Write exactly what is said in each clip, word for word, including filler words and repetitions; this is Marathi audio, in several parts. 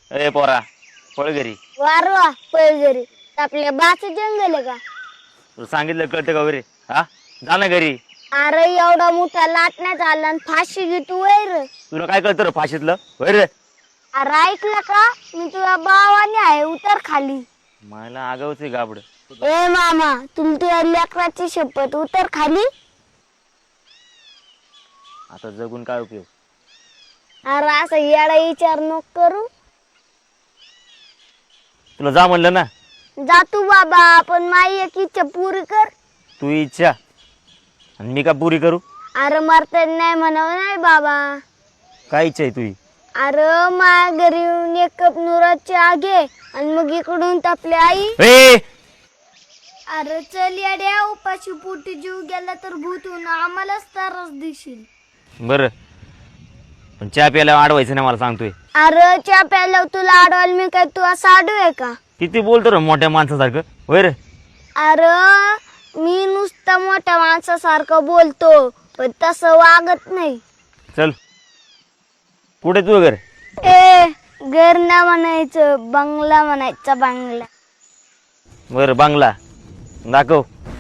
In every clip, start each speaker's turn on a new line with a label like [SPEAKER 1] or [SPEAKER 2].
[SPEAKER 1] ए पोरा पळ घरी.
[SPEAKER 2] वारवा पैजरी आपल्या बाच जंगल आहे का?
[SPEAKER 1] तुला सांगितलं कळतं का वगैरे? हा जा ना घरी.
[SPEAKER 2] अरे एवढा मोठा लाटण्यात आला आणि फाशी घेतो वैर.
[SPEAKER 1] तुला काय कळतं रे फाशीतलं वैर?
[SPEAKER 2] अरे ऐकलं का मी तुझ्या भावाने आहे उतर खाली.
[SPEAKER 1] मला आगावच आहे गाबड.
[SPEAKER 2] ए मामा तुला तुझ्या लेकराची शपथ उतर खाली.
[SPEAKER 1] आता जगून काय उपयोग?
[SPEAKER 2] अरे असं येडा विचार नको करू.
[SPEAKER 1] तुला जा म्हणलं ना.
[SPEAKER 2] जा तू बाबा पण माझी एक इच्छा पुरी कर.
[SPEAKER 1] तू इच्छा आणि मी का पुरी करू?
[SPEAKER 2] अरे मरता नाही म्हणावं नाही बाबा.
[SPEAKER 1] काय इच्छा आहे तुझी?
[SPEAKER 2] अरे माझ्या घरी येऊन एक कप नुराची आगे आणि मग इकडून तापली आई.
[SPEAKER 1] ए
[SPEAKER 2] अरे चल येड्या उपाशी पोटी जीव गेला तर भूतून आम्हालाच त्रास देशील.
[SPEAKER 1] बर पण चहा प्यायला अडवायचं नाही मला सांगतोय.
[SPEAKER 2] अरे चहा प्यायला तुला अडवाल मी काय तू असं आडू आहे का?
[SPEAKER 1] किती बोलतो रे मोठ्या माणसासारखं वैर?
[SPEAKER 2] अरे मी नुसतं मोठ्या माणसासारखं बोलतो पण तसं वागत नाही.
[SPEAKER 1] चल कुठे तू घर?
[SPEAKER 2] ए घर ना म्हणायचं बंगला म्हणायचा बंगला.
[SPEAKER 1] बर बांगला दाखव.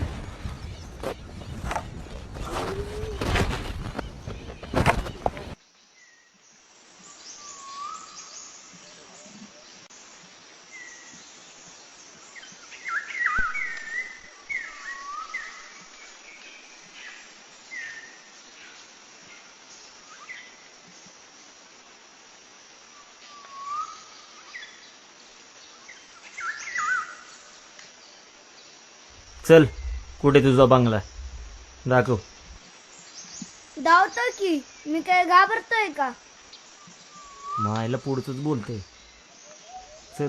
[SPEAKER 1] चल कुठे तुझा बंगला दाखव.
[SPEAKER 2] धावतो की मी काय घाबरतोय का?
[SPEAKER 1] मायला पुढचंच बोलते. चल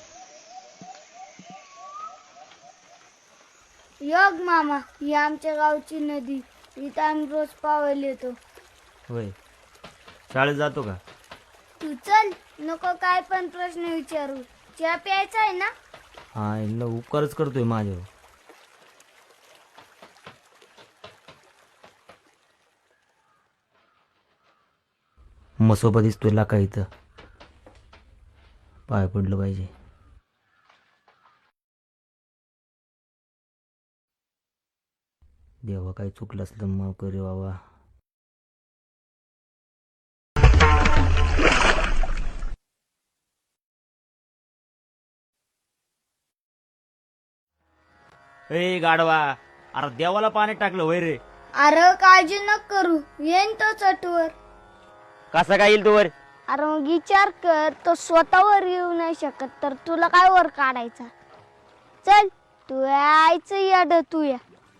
[SPEAKER 2] योग मामा ही आमच्या गावची नदी इथं आम्ही रोज पावायला येतो.
[SPEAKER 1] होय शाळेत जातो का?
[SPEAKER 2] तू चल नको काय पण प्रश्न विचारू. चहा प्यायचा आहे ना?
[SPEAKER 1] हा इला उपकारच करतोय माझ्यावर. मसोबा दिसतोय लाका इथं पाय पडलं पाहिजे. देवा काही चुकलं असलं माफ करे बाबा. ए गाडवा अरे देवाला पाणी टाकलं वय रे.
[SPEAKER 2] अरे काळजी नको करू येईन तो चटवर.
[SPEAKER 1] कसा काय येईल तू वर?
[SPEAKER 2] अरे मग विचार कर तो स्वतःवर येऊ नाही शकत तर तुला काय वर काढायचा. चल तू यायचं याड तू या.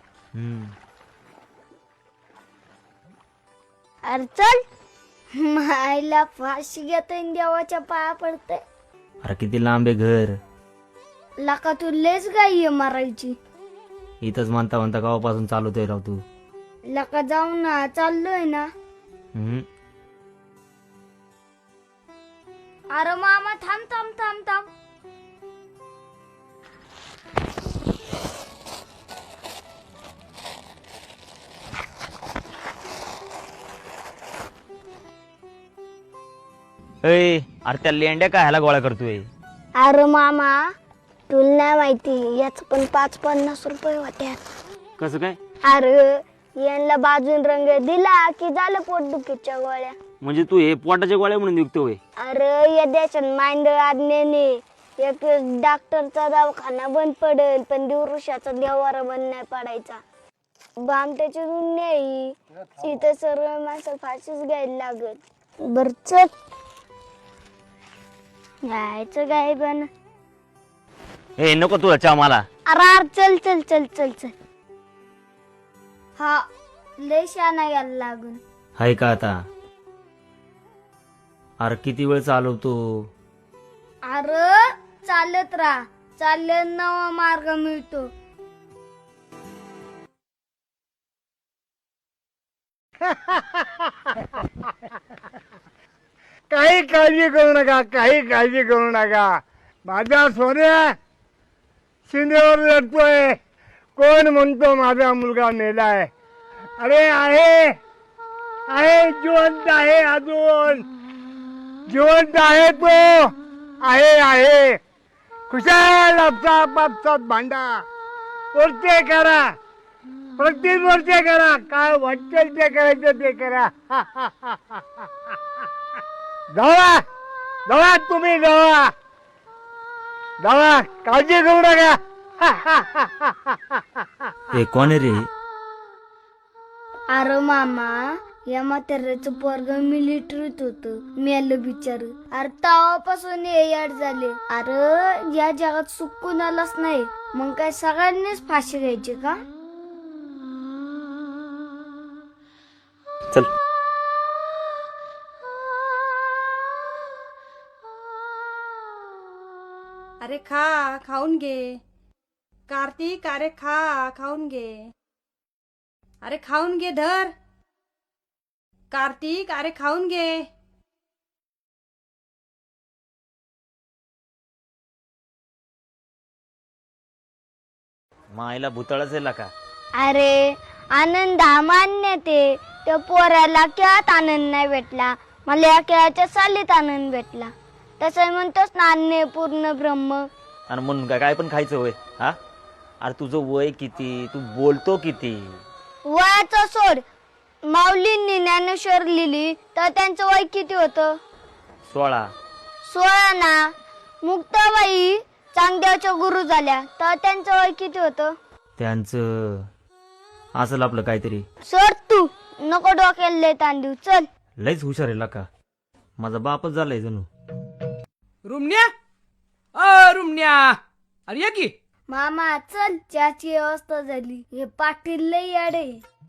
[SPEAKER 2] अरे चल मायला फाशी घेतोय देवाच्या पाया पडते.
[SPEAKER 1] अरे किती लांब आहे घर.
[SPEAKER 2] लका तू लेच गाई मारायची.
[SPEAKER 1] इथंच म्हणता म्हणता गावापासून चालवतोय राव तू.
[SPEAKER 2] लका जाऊ ना चाललोय ना.
[SPEAKER 1] हम्म
[SPEAKER 2] अरे मामा थांब थांब थांब थांब.
[SPEAKER 1] ए अरे त्या लेंड्या काय ह्याला गोळा करतोय?
[SPEAKER 2] अरे मामा तुला नाही माहिती याच पण पाच पन्नास रुपये होत्या.
[SPEAKER 1] कसं काय?
[SPEAKER 2] अरे यांना बाजून रंग दिला की झालं पोटदुखीच्या गोळ्या.
[SPEAKER 1] म्हणजे तू हे पोटाच्या गोळ्या म्हणून विकतोय?
[SPEAKER 2] अरे या देशात मांडळ आज्ञेने एक डॉक्टरचा दवाखाना बंद पडेल पण दिवृषाचा देवारा बंद नाही पडायचा. बामट्याची दुनिया ही इथं सर्व माणसं फाशीच घ्यायला लागत. बर चल यायचं काय पण.
[SPEAKER 1] ए नको तुला चहा मला.
[SPEAKER 2] अरे चल चल चल चल चल. हा लय शाना यायला लागून.
[SPEAKER 1] हाय का आता? अरे किती वेळ चालवतो?
[SPEAKER 2] अरे चालत राहा चालत नवा मार्ग मिळतो.
[SPEAKER 3] काही काळजी करू नका काही काळजी करू नका. माझा सोन्या शिंदेवर लढतोय. कोण म्हणतो माझा मुलगा मेलाय? अरे आहे आहे जिवंत आहे अजून जिवंत आहे तो. आहे आहे खुशाल आपसात आपसात भांडा वरचे करा प्रत्येक वरचे करा काय वाटेल ते करायचं ते करा जावा जावा तुम्ही जावा जावा काळजी करू नका
[SPEAKER 1] हे कोण आहे रे?
[SPEAKER 2] अरे मामा या म्हाताऱ्याचं पोरग मिलिटरीत होत मेलं बिचार. अरे तेव्हापासून हे याड झाले. अरे या जगात सुख कुणालाच नाही, मग काय सगळ्यांनीच फाशी घ्यायची का?
[SPEAKER 1] चल.
[SPEAKER 4] अरे खा खाऊन घे कार्तिक. अरे खा खाऊन घे. अरे खाऊन घे धर कार्तिक. अरे खाऊन घे.
[SPEAKER 1] मायला भूतळच आहे का?
[SPEAKER 2] अरे आनंद हा मान्य ते त्या पोराला खेळात आनंद नाही भेटला, मला या खेळाच्या सालीत आनंद भेटला. तसं म्हणतोस ना अन्य पूर्ण ब्रह्म.
[SPEAKER 1] आणि म्हणून काय काय पण खायचं होय? हा अरे तुझं वय किती, तू बोलतो किती?
[SPEAKER 2] वयाचं सोड. माऊलींनी ज्ञानेश्वर लिहिली तर त्यांचं वय किती होतं?
[SPEAKER 1] सोळा.
[SPEAKER 2] सोळा ना. मुक्ताबाई चांगदेवच्या गुरु झाल्या तर त्यांचं वय किती होतं?
[SPEAKER 1] त्यांचं असेल आपलं काहीतरी.
[SPEAKER 2] सोड तू, नको डोक्याला लय ताण देऊ. चल.
[SPEAKER 1] लयच हुशार आहे का? माझा बापच झालाय जणू.
[SPEAKER 5] रुमण्या अ रुमण्या अरे या की.
[SPEAKER 2] मामा चल, चहाची व्यवस्था झाली. हे पाटील लय याडे.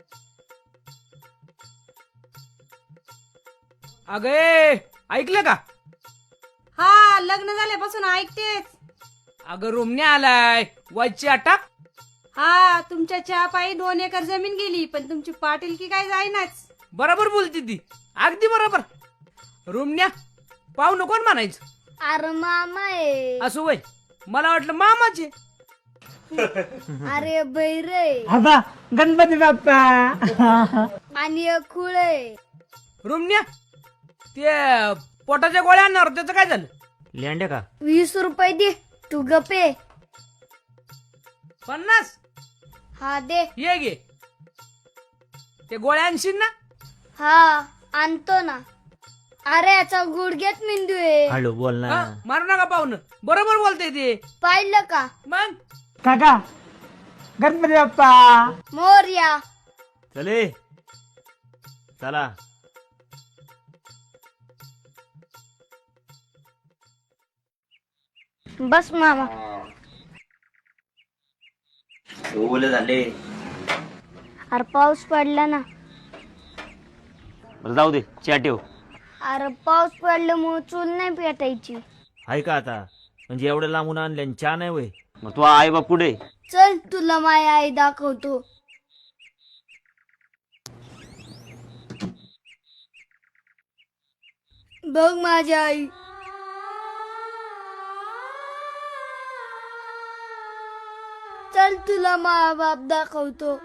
[SPEAKER 5] अगं ए, ऐकलं का?
[SPEAKER 4] हा लग्न झाल्यापासून ऐकतेच.
[SPEAKER 5] अगं रुमण्या आलाय वरची अटक.
[SPEAKER 4] हा तुमच्या चहा पायी दोन एकर जमीन गेली, पण तुमची पाटीलकी काय जाईनाच.
[SPEAKER 5] बरोबर बोलती ती, अगदी बरोबर. रुमण्या पाहू नको म्हणायचं.
[SPEAKER 2] अरे मामा आहे.
[SPEAKER 5] असं वय मला वाटलं मामाचे.
[SPEAKER 2] अरे बैरे
[SPEAKER 3] आता गणपती बाप्पा
[SPEAKER 2] आणि एक खुळ आहे.
[SPEAKER 5] रुमण्या ते पोटाच्या गोळ्या आणणार त्याचं काय झालं?
[SPEAKER 1] लेंड्या का?
[SPEAKER 2] वीस रुपये दे, तू गपे.
[SPEAKER 5] पन्नास
[SPEAKER 2] हा दे.
[SPEAKER 5] ये गे. ते गोळ्या आणशील ना?
[SPEAKER 2] हा आणतो ना. अरे याचा गुडघ्यात मेंदू आहे.
[SPEAKER 1] हळू बोल ना.
[SPEAKER 5] हा, मारू नका पाहुणं, बरोबर बोलतय ते.
[SPEAKER 2] पाहिलं का?
[SPEAKER 5] मग
[SPEAKER 3] काका गणपती बाप्पा
[SPEAKER 2] मोरया.
[SPEAKER 1] चले चला.
[SPEAKER 2] बस मामा.
[SPEAKER 1] ओले झाले.
[SPEAKER 2] अरे पाऊस पडला ना.
[SPEAKER 1] बरं जाऊ दे, चहा ठेव.
[SPEAKER 2] अरे पाऊस पडल्यामुळे चूल नाही पेटायची.
[SPEAKER 1] आहे का आता? म्हणजे एवढं लांबून आणले आणि चहा नाही वय? मग तू आई बाप पुढे.
[SPEAKER 2] चल तुला माय आई दाखवतो. बघ माझी आई. चल तुला मा बाप दाखवतो.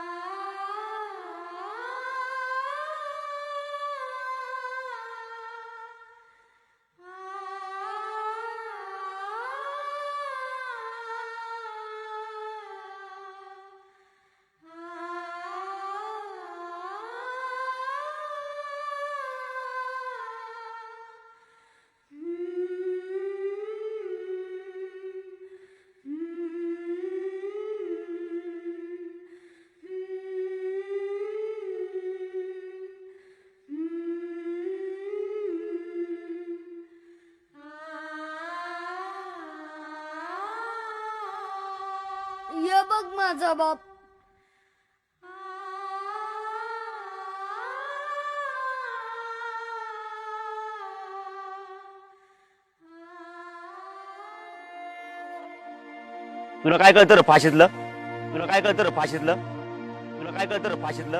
[SPEAKER 2] ये बघ माझा बाप.
[SPEAKER 1] तुला काय कळतं रे फाशीतलं? तुला काय कळतं रे फाशीतलं? तुला काय कळतं रे फाशीतलं?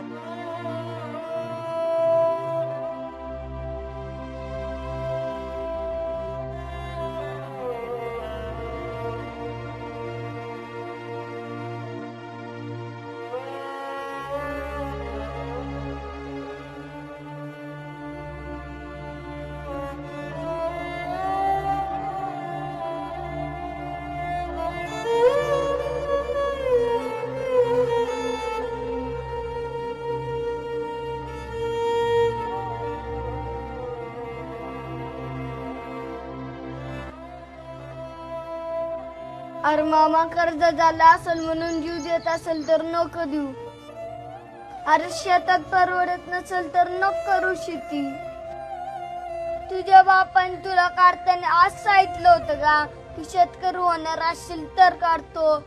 [SPEAKER 2] अरे मामा कर्ज झाला असेल म्हणून जीव देत असेल तर नको देऊ. अरे शेतात परवडत नसेल तर नको करू शेती. तुझ्या बापाने तुला काढताना आज सांगितलं होतं का की शेतकरी होणार असेल तर काढतो,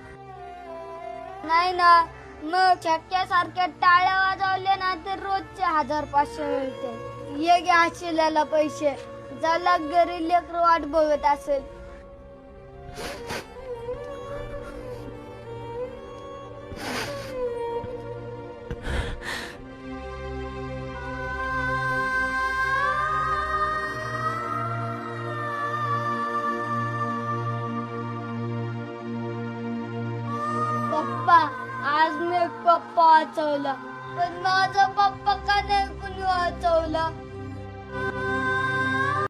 [SPEAKER 2] नाही ना? मग छक्क्यासारख्या टाळ्या वाजवल्या ना तर रोजचे हजार पाचशे मिळते. ये घ्या शिल्याला पैसे, ज्याला घरी लेकर वाट बघत असेल. पप्पा, आज मी एक पप्पा वाचवला, पण माझा पप्पा का नाही